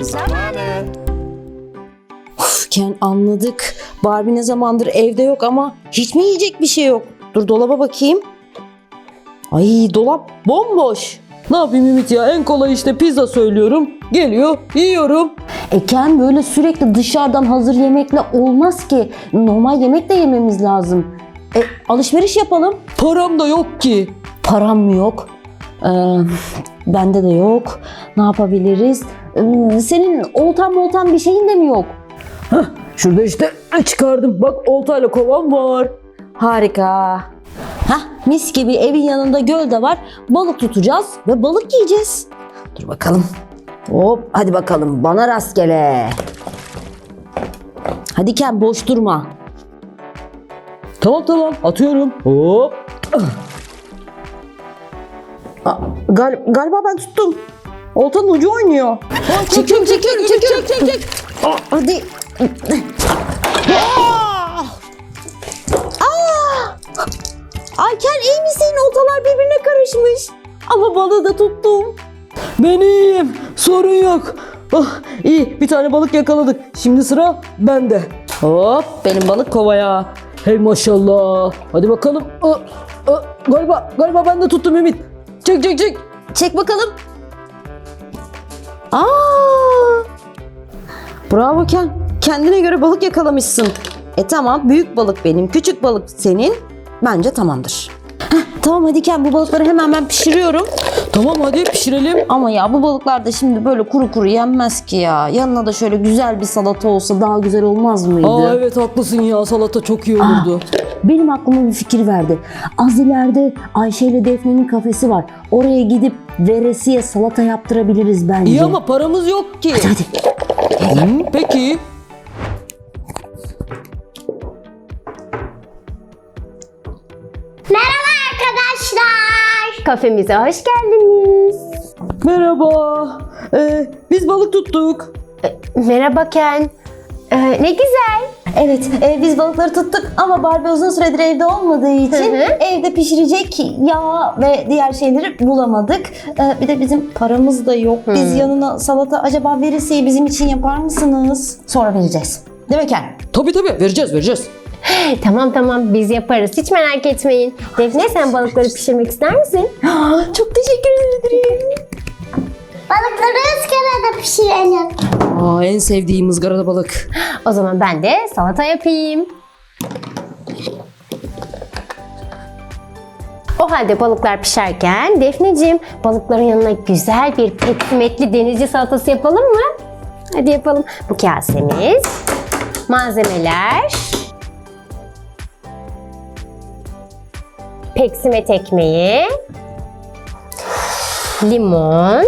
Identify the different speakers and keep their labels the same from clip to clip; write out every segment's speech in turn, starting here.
Speaker 1: zamanı.
Speaker 2: Ken, anladık. Barbie ne zamandır evde yok ama hiç mi yiyecek bir şey yok? Dur dolaba bakayım. Ay, dolap bomboş.
Speaker 3: Ne yapayım Ümit ya, en kolay işte pizza söylüyorum. Geliyor, yiyorum.
Speaker 2: Ken, böyle sürekli dışarıdan hazır yemekle olmaz ki. Normal yemek de yememiz lazım. Alışveriş yapalım.
Speaker 3: Param da yok ki.
Speaker 2: Param mı yok? Bende de yok. Ne yapabiliriz? Senin oltan bir şeyin de mi yok?
Speaker 3: Şurada işte çıkardım. Bak, oltayla kovam var.
Speaker 2: Harika. Mis gibi evin yanında göl de var. Balık tutacağız ve balık yiyeceğiz. Dur bakalım. Hop, hadi bakalım, bana rastgele. Hadi Ken, boş durma.
Speaker 3: Tamam, atıyorum. Hop.
Speaker 2: Galiba ben tuttum. Oltanın ucu oynuyor. Çek. Hadi. Ay Ken, iyi misin? Oltalar birbirine karışmış. Ama balığı da tuttum.
Speaker 3: Ben iyiyim. Sorun yok. İyi, bir tane balık yakaladık. Şimdi sıra bende. Hop, benim balık kovaya. Hey maşallah. Hadi bakalım. Galiba ben de tuttum Ümit. Çek.
Speaker 2: Çek bakalım. Bravo Ken. Kendine göre balık yakalamışsın. Tamam, büyük balık benim, küçük balık senin. Bence tamamdır. Tamam, hadi Ken, bu balıkları hemen ben pişiriyorum.
Speaker 3: Tamam, hadi pişirelim.
Speaker 2: Ama ya bu balıklar da şimdi böyle kuru yenmez ki ya. Yanına da şöyle güzel bir salata olsa daha güzel olmaz mıydı?
Speaker 3: Evet, haklısın ya, salata çok iyi olurdu.
Speaker 2: Benim aklıma bir fikir verdi. Az ileride Ayşe ile Defne'nin kafesi var. Oraya gidip veresiye salata yaptırabiliriz bence.
Speaker 3: İyi ama paramız yok ki.
Speaker 2: Hadi.
Speaker 3: Peki.
Speaker 1: Merhaba arkadaşlar. Kafemize hoş geldiniz.
Speaker 3: Merhaba. Biz balık tuttuk.
Speaker 1: Merhaba Ken. Ne güzel.
Speaker 2: Evet, biz balıkları tuttuk ama Barbie uzun süredir evde olmadığı için evde pişirecek yağ ve diğer şeyleri bulamadık. Bir de bizim paramız da yok. Biz yanına salata, acaba veresiyeyi bizim için yapar mısınız? Sonra vereceğiz. Değil mi Ken?
Speaker 3: Tabii vereceğiz.
Speaker 1: Tamam biz yaparız. Hiç merak etmeyin. Defne, sen balıkları pişirmek ister misin?
Speaker 2: Çok teşekkür ederim.
Speaker 4: Balıkları ızgarada pişirelim.
Speaker 3: En sevdiğim ızgarada balık.
Speaker 1: O zaman ben de salata yapayım. O halde balıklar pişerken Defneciğim, balıkların yanına güzel bir peksimetli denizci salatası yapalım mı? Hadi yapalım. Bu kasemiz, malzemeler, peksimet ekmeği, limon,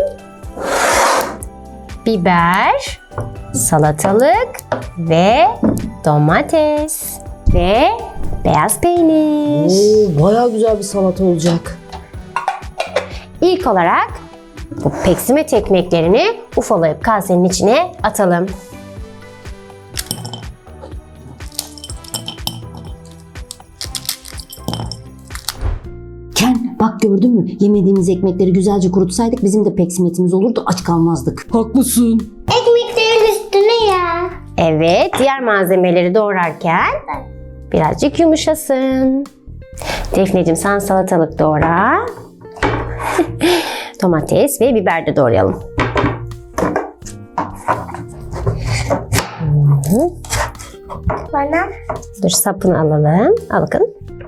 Speaker 1: biber, salatalık ve domates ve beyaz peynir.
Speaker 2: Bayağı güzel bir salata olacak.
Speaker 1: İlk olarak bu peksimet ekmeklerini ufalayıp kasenin içine atalım.
Speaker 2: Ken, bak gördün mü? Yemediğimiz ekmekleri güzelce kurutsaydık bizim de peksimetimiz olurdu, aç kalmazdık.
Speaker 3: Haklısın.
Speaker 4: Ekmeklerin üstüne ya.
Speaker 1: Evet, diğer malzemeleri doğrarken birazcık yumuşasın. Defneciğim, sen salatalık doğra. Domates ve biber de doğrayalım.
Speaker 4: Bana
Speaker 1: Dur, sapını alalım. Al bakın.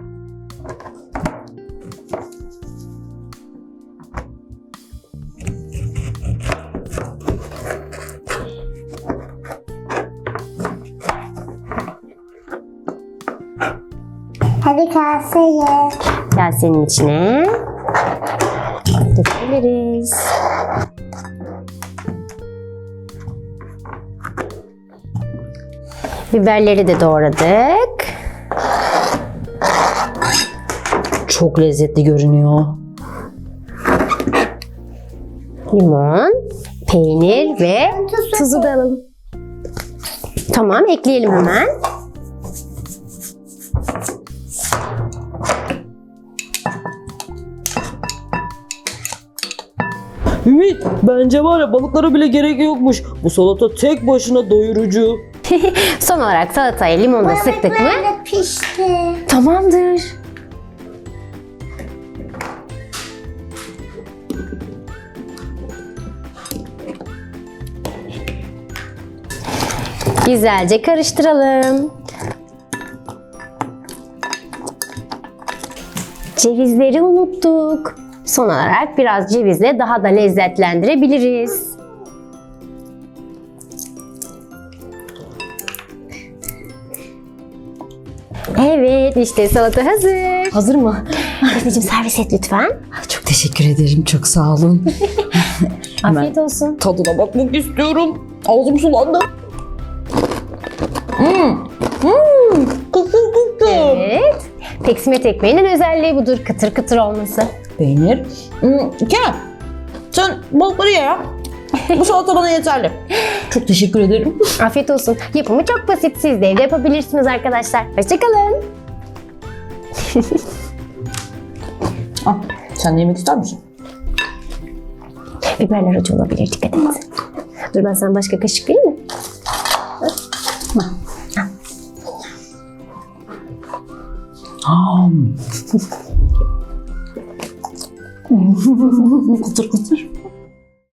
Speaker 4: hadi kaseye.
Speaker 1: Kasenin içine dökebiliriz. Biberleri de doğradık.
Speaker 2: Çok lezzetli görünüyor.
Speaker 1: Limon, peynir ve tuzu da alalım. Tamam, ekleyelim hemen.
Speaker 3: Ümit, bence var ya balıklara bile gerek yokmuş. Bu salata tek başına doyurucu.
Speaker 1: Son olarak salatayı limonla sıktık mı?
Speaker 4: Balıklar da pişti.
Speaker 1: Tamamdır. Güzelce karıştıralım. Cevizleri unuttuk. Son olarak biraz cevizle daha da lezzetlendirebiliriz. Evet, işte salata hazır.
Speaker 2: Hazır mı?
Speaker 1: Defneciğim servis et lütfen.
Speaker 2: Çok teşekkür ederim. Çok sağ olun.
Speaker 1: Afiyet olsun.
Speaker 3: Tadına bakmak istiyorum. Ağzım sulandı. Kıtır kıtır.
Speaker 1: Evet. Peksimet ekmeğinin özelliği budur. Kıtır kıtır olması.
Speaker 2: Peynir. Kerem, sen balıkları ye ya. Bu salata bana yeterli. Çok teşekkür ederim.
Speaker 1: Afiyet olsun. Yapımı çok basit. Siz de evde yapabilirsiniz arkadaşlar. Hoşçakalın.
Speaker 2: Sen de yemek ister misin?
Speaker 1: Biberler acı olabilir. Dikkat et. Dur ben sana başka kaşık vereyim mi?
Speaker 2: Kıtır kıtır.